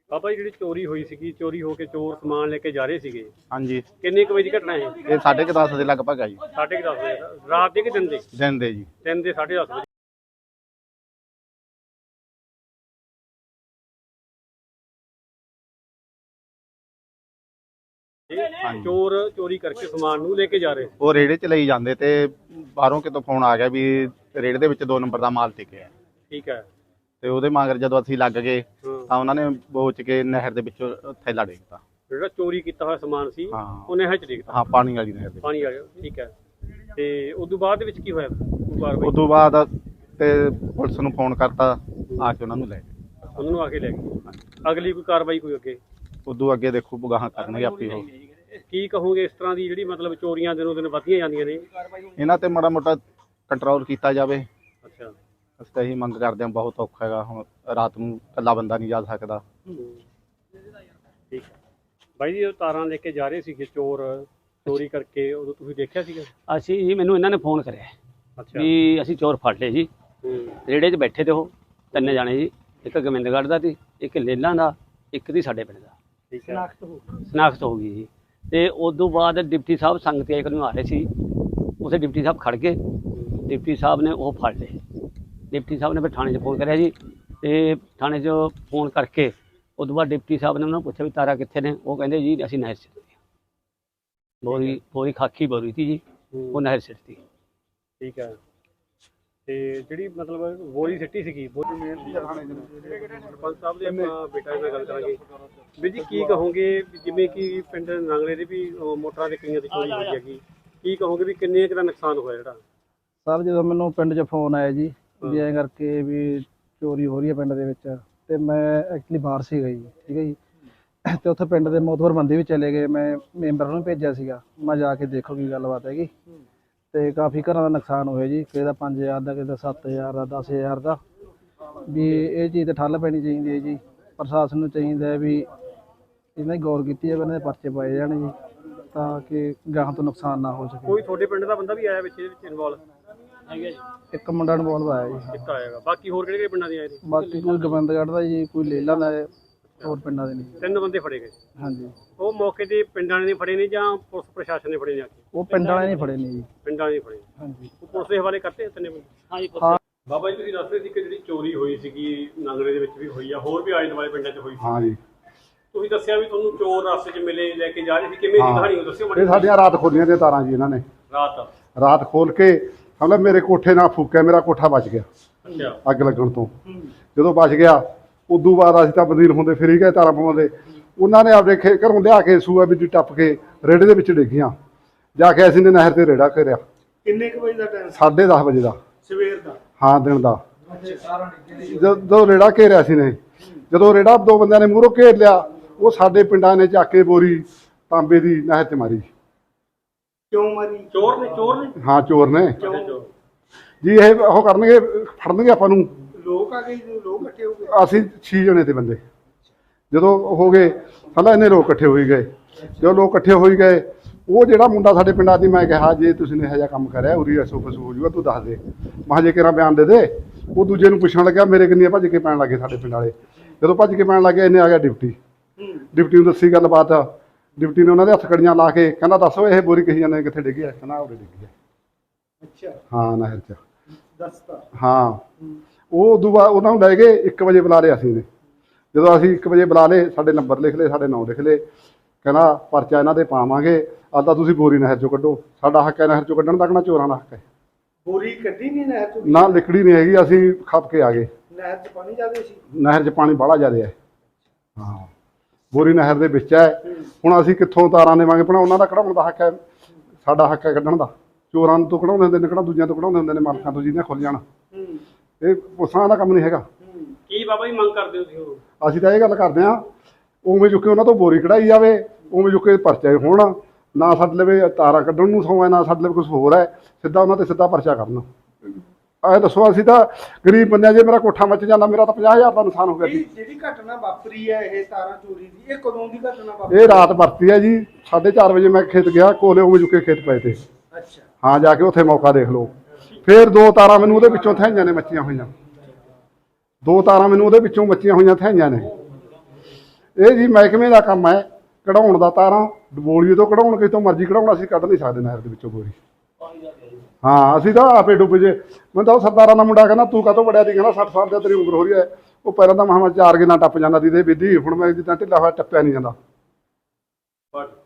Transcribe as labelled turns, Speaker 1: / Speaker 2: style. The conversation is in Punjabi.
Speaker 1: ਬਾਬਾ ਜੀ ਜਿਹੜੀ ਚੋਰੀ ਹੋਈ ਸੀਗੀ, ਚੋਰੀ ਹੋ ਕੇ ਚੋਰ ਸਮਾਨ ਲੈ ਕੇ ਜਾ ਰਹੇ ਸੀਗੇ,
Speaker 2: ਹਾਂਜੀ
Speaker 1: ਕਿੰਨੇ ਕੁ ਵਜੇ ਦੀ ਘਟਨਾ ਹੈ?
Speaker 2: ਇਹ 10:30 ਦੇ ਲਗਭਗ ਆ ਜੀ।
Speaker 1: 10:30 ਵਜੇ ਰਾਤ ਦੇ ਕਿ ਦਿਨ ਦੇ?
Speaker 2: ਦਿਨ ਦੇ ਜੀ।
Speaker 1: ਦਿਨ ਦੇ 10:30 ਵਜੇ। ਚੋਰ ਚੋਰੀ ਕਰਕੇ ਸਮਾਨ ਨੂੰ ਲੈ ਕੇ ਜਾ ਰਹੇ।
Speaker 2: ਉਹ ਰੇੜੇ 'ਚ ਲਈ ਜਾਂਦੇ ਤੇ ਬਾਹਰੋਂ ਕਿਤੋਂ ਫੋਨ ਆ ਗਿਆ ਵੀ ਰੇੜੇ ਦੇ ਵਿੱਚ 2 ਨੰਬਰ ਦਾ ਮਾਲ ਟਿਕਿਆ।
Speaker 1: ਠੀਕ ਹੈ।
Speaker 2: ਤੇ ਉਹਦੇ ਮਗਰ ਜਦੋਂ ਅਸੀਂ ਲੱਗ ਗਏ ਤਾਂ ਉਹਨਾਂ ਨੇ ਬੋਚ ਕੇ ਨਹਿਰ ਦੇ ਵਿੱਚੋਂ ਥੈਲਾ ਡੇਗਤਾ।
Speaker 1: ਜਿਹੜਾ ਚੋਰੀ ਕੀਤਾ ਹੋਇਆ ਸਮਾਨ ਸੀ
Speaker 2: ਹਾਂ
Speaker 1: ਉਹ ਨਹਿਰ 'ਚ ਡਿੱਗਦਾ।
Speaker 2: ਹਾਂ, ਪਾਣੀ ਵਾਲੀ ਨਹਿਰ ਦੇ।
Speaker 1: ਪਾਣੀ ਆ ਗਿਆ। ਠੀਕ ਹੈ। ਤੇ ਉਦੋਂ ਬਾਅਦ ਦੇ ਵਿੱਚ ਕੀ ਹੋਇਆ?
Speaker 2: ਉਸ ਤੋਂ ਬਾਅਦ ਤੇ ਪੁਲਿਸ ਨੂੰ ਫੋਨ ਕਰਤਾ, ਆ ਕੇ ਉਹਨਾਂ ਨੂੰ ਲੈ ਗਏ।
Speaker 1: ਉਹਨਾਂ ਨੂੰ ਆ ਕੇ ਲੈ ਗਏ। ਅਗਲੀ ਕੋਈ ਕਾਰਵਾਈ ਕੋਈ ਅੱਗੇ?
Speaker 2: ਉਦੋਂ ਅੱਗੇ ਦੇਖੋ ਬਗਾਹਾਂ ਕਰਨਗੇ ਆਪੇ ਉਹ।
Speaker 1: ਕੀ ਕਹੋਗੇ ਇਸ ਤਰ੍ਹਾਂ ਦੀ ਜਿਹੜੀ ਮਤਲਬ ਚੋਰੀਆਂ ਦਿਨੋਂ ਦਿਨ ਵੱਧਦੀਆਂ ਜਾਂਦੀਆਂ ਨੇ?
Speaker 2: ਇਹਨਾਂ ਤੇ ਮਾੜਾ ਮੋਟਾ ਕੰਟਰੋਲ ਕੀਤਾ ਜਾਵੇ।
Speaker 1: ਅੱਛਾ।
Speaker 2: ਅਸੀਂ ਤਾਂ ਇਹੀ ਮੰਗ ਕਰਦੇ ਹਾਂ। ਬਹੁਤ ਔਖਾ ਹੈਗਾ, ਹੁਣ ਰਾਤ ਨੂੰ ਇਕੱਲਾ ਬੰਦਾ ਨਹੀਂ ਜਾ ਸਕਦਾ।
Speaker 1: ਠੀਕ ਹੈ ਬਾਈ ਜੀ, ਉਹ ਤਾਰਾਂ ਲੈ ਕੇ ਜਾ ਰਹੇ ਸੀਗੇ ਚੋਰ, ਚੋਰੀ ਕਰਕੇ, ਉਦੋਂ ਤੁਸੀਂ ਦੇਖਿਆ ਸੀਗਾ?
Speaker 3: ਅਸੀਂ ਜੀ, ਮੈਨੂੰ ਇਹਨਾਂ ਨੇ ਫੋਨ ਕਰਿਆ
Speaker 1: ਅੱਛਾ
Speaker 3: ਵੀ ਅਸੀਂ ਚੋਰ ਫੜ ਲਏ ਜੀ। ਰੇੜੇ 'ਚ ਬੈਠੇ ਤੇ ਉਹ 3 ਜਾਣੇ ਜੀ, ਇੱਕ ਗੋਬਿੰਦਗੜ੍ਹ ਦਾ ਸੀ, ਇੱਕ ਲੇਲਾਂ ਦਾ, ਇੱਕ ਦੀ ਸਾਡੇ ਪਿੰਡ ਦਾ।
Speaker 1: ਠੀਕ ਹੈ।
Speaker 3: ਸ਼ਨਾਖਤ ਹੋ ਗਈ ਜੀ। ਤੇ ਉਦੋਂ ਬਾਅਦ ਡਿਪਟੀ ਸਾਹਿਬ ਸੰਗਤ ਇੱਕ ਨੂੰ ਆ ਰਹੇ ਸੀ, ਉਸੇ ਡਿਪਟੀ ਸਾਹਿਬ ਖੜ ਗਏ। ਡਿਪਟੀ ਸਾਹਿਬ ਨੇ ਉਹ ਫੜ ਲਏ। ਡਿਪਟੀ ਸਾਹਿਬ ਨੇ ਫਿਰ ਥਾਣੇ 'ਚ ਫੋਨ ਕਰਿਆ ਜੀ, ਤੇ ਥਾਣੇ 'ਚ ਫੋਨ ਕਰਕੇ ਉਦੋਂ ਬਾਅਦ ਡਿਪਟੀ ਸਾਹਿਬ ਨੇ ਉਹਨਾਂ ਨੂੰ ਪੁੱਛਿਆ ਵੀ ਤਾਰਾ ਕਿੱਥੇ ਨੇ? ਉਹ ਕਹਿੰਦੇ ਜੀ ਅਸੀਂ ਨਹਿਰ 'ਚ ਬੋਰੀ ਖਾਕੀ ਬੋਰੀ ਸੀ ਜੀ, ਉਹ ਨਹਿਰ ਸਿੱਟਤੀ।
Speaker 1: ਠੀਕ ਹੈ। ਤੇ ਜਿਹੜੀ ਮਤਲਬ ਬੋਰੀ ਸਿੱਟੀ ਸੀਗੀ, ਸਰਪੰਚ ਸਾਹਿਬ ਦੇ ਆਪਾਂ ਬੇਟਾ ਨਾਲ ਗੱਲ ਕਰਾਂਗੇ। ਵੀਰ ਜੀ ਕੀ ਕਹੋਗੇ, ਜਿਵੇਂ ਕਿ ਪਿੰਡ ਨੰਗਲੇ ਦੇ ਵੀ ਮੋਟਰਾਂ ਦੇ ਕਈਆਂ ਦੀ ਚੋਰੀ ਹੋਈ ਹੈਗੀ, ਕੀ ਕਹੋਗੇ ਵੀ ਕਿੰਨੇ ਕੁ ਦਾ ਨੁਕਸਾਨ ਹੋਇਆ ਜਿਹੜਾ?
Speaker 4: ਸਰ ਜਦੋਂ ਮੈਨੂੰ ਪਿੰਡ 'ਚ ਫੋਨ ਆਇਆ ਜੀ ਵੀ ਐਂ ਕਰਕੇ ਵੀ ਚੋਰੀ ਹੋ ਰਹੀ ਹੈ ਪਿੰਡ ਦੇ ਵਿੱਚ, ਤੇ ਮੈਂ ਐਕਚੁਅਲੀ ਬਾਹਰ ਸੀਗਾ ਜੀ। ਠੀਕ ਹੈ ਜੀ। ਤੇ ਉੱਥੇ ਪਿੰਡ ਦੇ ਮੋਤਬਰ ਬੰਦੇ ਵੀ ਚਲੇ ਗਏ, ਮੈਂ ਮੈਂਬਰ ਨੂੰ ਭੇਜਿਆ ਸੀਗਾ, ਮੈਂ ਜਾ ਕੇ ਦੇਖੋ ਕੀ ਗੱਲਬਾਤ ਹੈਗੀ। ਤੇ ਕਾਫੀ ਘਰਾਂ ਦਾ ਨੁਕਸਾਨ ਹੋਇਆ ਜੀ, ਕਿਸੇ ਦਾ 5000 ਦਾ, ਕਿਸੇ ਦਾ 7000 ਦਾ, 10000 ਦਾ। ਵੀ ਇਹ ਚੀਜ਼ ਤੇ ਠੱਲ ਪੈਣੀ ਚਾਹੀਦੀ ਹੈ ਜੀ। ਪ੍ਰਸ਼ਾਸਨ ਨੂੰ ਚਾਹੀਦਾ ਹੈ ਵੀ ਇਹਨਾਂ ਦੀ ਗੌਰ ਕੀਤੀ ਜਾਵੇ, ਇਹਨਾਂ ਦੇ ਪਰਚੇ ਪਾਏ ਜਾਣ ਜੀ, ਤਾਂ ਕਿ ਗਾਹਾਂ ਤੋਂ ਨੁਕਸਾਨ ਨਾ ਹੋ ਸਕੇ।
Speaker 1: ਕੋਈ ਤੁਹਾਡੇ ਪਿੰਡ ਦਾ ਬੰਦਾ ਵੀ ਆਇਆ ਵਿੱਚ ਇਹਦੇ ਵਿੱਚ ਇਨਵੋਲਵ ਹੈਗਾ ਜੀ?
Speaker 4: ਇੱਕ ਮੁੰਡਾ ਇਨਵੋਲਵ ਆਇਆ ਜੀ।
Speaker 1: ਇੱਕ ਆਏਗਾ, ਬਾਕੀ ਹੋਰ ਕਿਹੜੇ ਪਿੰਡਾਂ ਦੇ ਆਏ ਨੇ?
Speaker 4: ਬਾਕੀ ਕੋਈ ਗੋਬਿੰਦਗੜ੍ਹ ਦਾ ਜੀ, ਕੋਈ ਲੇਲਾਂ ਦਾ, ਹੋਰ ਪਿੰਡਾਂ ਦੇ ਨਹੀਂ।
Speaker 1: 3 ਬੰਦੇ ਫੜੇ ਗਏ।
Speaker 4: ਹਾਂਜੀ।
Speaker 1: ਉਹ ਮੌਕੇ ਤੇ ਪਿੰਡਾਂ ਨੇ ਫੜੇ ਨੇ ਜਾਂ ਪੁਲਿਸ ਪ੍ਰਸ਼ਾਸਨ ਨੇ ਫੜੇ ਨੇ? ਆ ਕੇ
Speaker 4: ਉਹ ਪਿੰਡ ਵਾਲਿਆਂ ਨੇ ਫੜੇ ਨੇ ਜੀ।
Speaker 1: ਪਿੰਡਾਂ ਨੇ ਫੜੇ।
Speaker 4: ਹਾਂਜੀ।
Speaker 1: ਉਹ ਪੁਲਿਸ ਦੇ ਹਵਾਲੇ ਕਰਤੇ 3 ਬੰਦੇ?
Speaker 3: ਹਾਂਜੀ।
Speaker 1: ਬਾਬਾ ਜੀ ਤੁਸੀਂ ਦੱਸ ਰਹੇ ਸੀ ਕਿ ਜਿਹੜੀ ਚੋਰੀ ਹੋਈ ਸੀਗੀ ਨੰਗਲੇ ਦੇ ਵਿੱਚ ਵੀ ਹੋਈ ਆ, ਹੋਰ ਵੀ ਆਲੇ ਦੁਆਲੇ ਪਿੰਡਾਂ 'ਚ ਹੋਈ ਸੀ।
Speaker 2: ਹਾਂ ਜੀ।
Speaker 1: ਤੁਸੀਂ ਦੱਸਿਆ ਵੀ ਤੁਹਾਨੂੰ ਚੋਰ ਰਸਤੇ 'ਚ ਮਿਲੇ, ਲੈ ਕੇ ਜਾ ਰਹੇ ਸੀ, ਕਿਵੇਂ ਦੀ ਕਹਾਣੀ ਉਹ ਦੱਸਿਓ
Speaker 5: ਇਹ ਸਾਡੀਆਂ ਰਾਤ ਖੋਲੀਆਂ ਤੇ ਤਾਰਾਂ ਜੀ ਇਹਨਾਂ ਨੇ। ਰਾਤ ਖੋਲ ਕੇ ਮਤਲਬ ਮੇਰੇ ਕੋਠੇ ਨਾਲ ਫੂਕਿਆ, ਮੇਰਾ ਕੋਠਾ ਬਚ ਗਿਆ
Speaker 1: ਅੱਛਾ
Speaker 5: ਅੱਗ ਲੱਗਣ ਤੋਂ। ਜਦੋਂ ਬਚ ਗਿਆ ਉਦੋਂ ਬਾਅਦ ਅਸੀਂ ਤਾਂ ਬਦੀਲ ਹੁੰਦੇ ਫਿਰੀ ਗਏ ਤਾਰਾਂ ਪਵਾਉਂਦੇ। ਉਹਨਾਂ ਨੇ ਆਪਦੇ ਘਰੋਂ ਲਿਆ ਕੇ ਸੂਆ ਵਿੱਚ ਟੱਪ ਕੇ ਰੇੜੇ ਦੇ ਵਿੱਚ ਡਿੱਗੀਆਂ। ਜਾ ਕੇ ਅਸੀਂ ਨੇ ਨਹਿਰ ਤੇ ਰੇੜਾ ਘੇਰਿਆ।
Speaker 6: ਕਿੰਨੇ ਕੁ ਵਜੇ ਦਾ ਟਾਈਮ?
Speaker 5: 10:30 ਵਜੇ ਦਾ।
Speaker 6: ਸਵੇਰ ਦਾ?
Speaker 5: ਹਾਂ, ਦਿਨ ਦਾ। ਜਦੋਂ ਰੇੜਾ ਘੇਰਿਆ ਸੀ ਨੇ, ਜਦੋਂ ਰੇੜਾ 2 ਬੰਦਿਆਂ ਨੇ ਮੂਹਰੋਂ ਘੇਰ ਲਿਆ, ਉਹ ਸਾਡੇ ਪਿੰਡਾਂ ਨੇ ਚੱਕ ਕੇ ਬੋਰੀ ਤਾਂਬੇ ਦੀ ਨਹਿਰ 'ਚ ਮਾਰੀ।
Speaker 6: ਕਿਉਂ ਮਾਰੀ?
Speaker 1: ਚੋਰ ਨੇ? ਚੋਰ ਨੇ?
Speaker 5: ਹਾਂ, ਚੋਰ ਨੇ
Speaker 1: ਕਿਉਂ
Speaker 5: ਜੀ। ਇਹ ਉਹ ਕਰਨਗੇ, ਫੜਨਗੇ ਆਪਾਂ ਨੂੰ।
Speaker 6: ਲੋਕ ਆ ਗਏ? ਲੋਕ ਇਕੱਠੇ ਹੋ ਗਏ?
Speaker 5: ਅਸੀਂ 6 ਜਣੇ ਤੇ ਬੰਦੇ। ਜਦੋਂ ਹੋ ਗਏ ਪਹਿਲਾਂ ਇੰਨੇ ਲੋਕ ਇਕੱਠੇ ਹੋਈ ਗਏ। ਜਦੋਂ ਲੋਕ ਇਕੱਠੇ ਹੋਈ ਗਏ, ਉਹ ਜਿਹੜਾ ਮੁੰਡਾ ਸਾਡੇ ਪਿੰਡਾਂ ਦੀ, ਮੈਂ ਕਿਹਾ ਜੇ ਤੁਸੀਂ ਨੇ ਇਹੋ ਜਿਹਾ ਕੰਮ ਕਰਿਆ ਉਰੀ ਐਸੋ ਫਸੂ ਹੋ ਜੂਗਾ, ਤੂੰ ਦੱਸ ਦੇ। ਮੈਂ ਜੇ ਕਿਹੜਾ ਬਿਆਨ ਦੇ ਦੇ। ਉਹ ਦੂਜੇ ਨੂੰ ਪੁੱਛਣ ਲੱਗਿਆ, ਮੇਰੇ ਕਿੰਨੀਆਂ ਭੱਜ ਕੇ ਪੈਣ ਲੱਗੇ ਸਾਡੇ ਪਿੰਡ ਵਾਲੇ। ਜਦੋਂ ਭੱਜ ਕੇ ਪੈਣ ਲੱਗੇ, ਇਹਨੇ ਆ ਗਿਆ ਡਿਪਟੀ। ਡਿਪਟੀ ਨੂੰ ਦੱਸੀ ਗੱਲਬਾਤ। ਡਿਪਟੀ ਨੇ ਉਹਨਾਂ ਦੇ ਹੱਥ ਕੜੀਆਂ ਲਾ ਕੇ ਕਹਿੰਦਾ ਦੱਸੋ ਇਹ ਬੋਰੀ ਕਹੀ ਜਾਂਦੇ ਕਿੱਥੇ ਡਿੱਗੀ ਹੈ? ਕਹਿੰਦਾ ਉਰੇ ਡਿੱਗੀ ਹੈ।
Speaker 6: ਅੱਛਾ।
Speaker 5: ਹਾਂ, ਨਹਿਰ 'ਚ।
Speaker 6: ਦੱਸਤਾ?
Speaker 5: ਹਾਂ। ਉਹ ਉਦੋਂ ਬਾਅਦ ਉਹਨਾਂ ਨੂੰ ਲੈ ਗਏ। 1 ਵਜੇ ਬੁਲਾ ਲਿਆ ਅਸੀਂ ਨੇ। ਜਦੋਂ ਅਸੀਂ 1 ਵਜੇ ਬੁਲਾ ਲਏ, ਸਾਡੇ ਨੰਬਰ ਲਿਖ ਲਏ, ਸਾਡੇ ਨਾਂ ਲਿਖ ਲਏ। ਕਹਿੰਦਾ ਪਰਚਾ ਇਹਨਾਂ ਦੇ ਪਾਵਾਂਗੇ, ਤਾਂ ਤੁਸੀਂ ਬੋਰੀ ਨਹਿਰ 'ਚੋਂ ਕੱਢੋ। ਸਾਡਾ ਹੱਕ ਹੈ ਨਹਿਰ 'ਚੋਂ ਕੱਢਣ ਦਾ, ਕਿਹੜਾ ਚੋਰਾਂ ਦਾ ਹੱਕ ਹੈ?
Speaker 6: ਬੋਰੀ ਕੱਢੀ ਨਹੀਂ ਨਹਿਰ ਚੋਂ?
Speaker 5: ਨਾ, ਲਿਕੜੀ ਨਹੀਂ ਹੈਗੀ। ਅਸੀਂ ਖੱਪ ਕੇ ਆ ਗਏ।
Speaker 6: ਨਹਿਰ 'ਚ ਪਾਣੀ ਜ਼ਿਆਦਾ ਸੀ?
Speaker 5: ਨਹਿਰ 'ਚ ਪਾਣੀ ਬਾਹਲਾ ਜ਼ਿਆਦਾ ਹੈ। ਹਾਂ, ਬੋਰੀ ਨਹਿਰ ਦੇ ਵਿੱਚ ਹੈ। ਹੁਣ ਅਸੀਂ ਕਿੱਥੋਂ ਤਾਰਾਂ ਦੇਵਾਂਗੇ? ਭਣਾ ਉਹਨਾਂ ਦਾ ਕਢਾਉਣ ਦਾ ਹੱਕ ਹੈ, ਸਾਡਾ ਹੱਕ ਹੈ ਕੱਢਣ ਦਾ। ਚੋਰਾਂ ਤੋਂ ਕਢਾਉਂਦੇ ਹੁੰਦੇ ਨੇ, ਕਿਹੜਾ ਦੂਜਿਆਂ ਤੋਂ ਕਢਾਉਂਦੇ ਹੁੰਦੇ ਨੇ, ਮਾਲਕਾਂ ਤੋਂ ਜਿਹਦੀਆਂ ਖੁੱਲ ਜਾਣ। ਇਹ ਪੁਲਿਸਾਂ ਦਾ ਕੰਮ ਨਹੀਂ ਹੈਗਾ।
Speaker 1: ਕੀ ਬਾਬਾ ਜੀ ਮੰਗ ਕਰਦੇ ਹੋ ਤੁਸੀਂ?
Speaker 5: ਅਸੀਂ ਤਾਂ ਇਹ ਗੱਲ ਕਰਦੇ ਹਾਂ, ਉਵੇਂ ਚੁੱਕੇ ਉਹਨਾਂ ਤੋਂ ਬੋਰੀ ਕਢਾਈ ਜਾਵੇ, ਉਵੇਂ ਚੁੱਕੇ ਪਰਚੇ ਹੋਣ। ਨਾ ਸਾਡੇ ਲਵੇ ਤਾਰਾਂ ਕੱਢਣ ਨੂੰ ਸੌਂ ਹੈ, ਨਾ ਸਾਡੇ ਲਵੇ ਕੁਛ ਹੋਰ ਹੈ। ਸਿੱਧਾ ਉਹਨਾਂ ਤੇ ਸਿੱਧਾ ਪਰਚਾ ਕਰਨ। ਐ ਦੱਸੋ, ਅਸੀਂ ਤਾਂ ਗਰੀਬ ਬੰਦੇ ਆ। ਜੇ ਮੇਰਾ ਕੋਠਾ ਮੱਚ ਜਾਂਦਾ, ਮੇਰਾ ਤਾਂ 50,000 ਦਾ ਨੁਕਸਾਨ ਹੋ ਗਿਆ ਜੀ।
Speaker 6: ਜਿਹੜੀ ਘਟਨਾ ਵਾਪਰੀ ਹੈ ਇਹ ਤਾਰਾਂ ਚੋਰੀ ਦੀ, ਇਹ ਕਦੋਂ ਦੀ ਘਟਨਾ ਵਾਪਰੀ?
Speaker 5: ਇਹ ਰਾਤ ਵਰਤੀ ਹੈ ਜੀ। 4:30 ਵਜੇ ਮੈਂ ਖੇਤ ਗਿਆ, ਕੋਲੇ ਉਵੇਂ ਚੁੱਕੇ ਖੇਤ ਪਏ ਤੇ।
Speaker 6: ਅੱਛਾ।
Speaker 5: ਹਾਂ, ਜਾ ਕੇ ਉੱਥੇ ਮੌਕਾ ਦੇਖ ਲਓ। ਫਿਰ 2 ਤਾਰਾਂ ਮੈਨੂੰ ਉਹਦੇ ਵਿੱਚੋਂ ਥਾਈਆਂ ਨੇ, ਮੱਚੀਆਂ ਹੋਈਆਂ। 2 ਤਾਰਾਂ ਮੈਨੂੰ ਉਹਦੇ ਵਿੱਚੋਂ ਮੱਚੀਆਂ ਹੋਈਆਂ ਥਾਈਆਂ ਨੇ। ਇਹ ਜੀ ਮਹਿਕਮੇ ਦਾ ਕੰਮ ਹੈ ਕਢਾਉਣ ਦਾ ਤਾਰਾਂ ਡਬੋਲੀਏ ਤੋਂ ਕਢਾਉਣ ਕਿਤੋਂ ਮਰਜ਼ੀ ਕਢਾਉਣ ਅਸੀਂ ਕੱਢ ਨਹੀਂ ਸਕਦੇ ਨਹਿਰ ਦੇ ਵਿੱਚੋਂ ਬੋਰੀ ਹਾਂ ਅਸੀਂ ਤਾਂ ਆਪੇ ਡੁੱਬ ਜੇ ਮੈਨੂੰ ਤਾਂ ਉਹ ਸਰਦਾਰਾਂ ਦਾ ਮੁੰਡਾ ਕਹਿੰਦਾ ਤੂੰ ਕਾਹਤੋਂ ਵੜਿਆ ਸੀ ਕਹਿੰਦਾ 60 ਸਾਲ ਦੀ ਤੇਰੀ ਉਮਰ ਹੋ ਰਹੀ ਹੈ ਉਹ ਪਹਿਲਾਂ ਤਾਂ ਮਹਾਂ 4 ਗਿਨਾ ਟੱਪ ਜਾਂਦਾ ਸੀ ਤੇ ਵਿਧੀ ਹੁਣ ਮੈਂ ਜਿੱਦਾਂ ਢਿੱਲਾ ਹੋਇਆ ਟੱਪਿਆ ਨਹੀਂ ਜਾਂਦਾ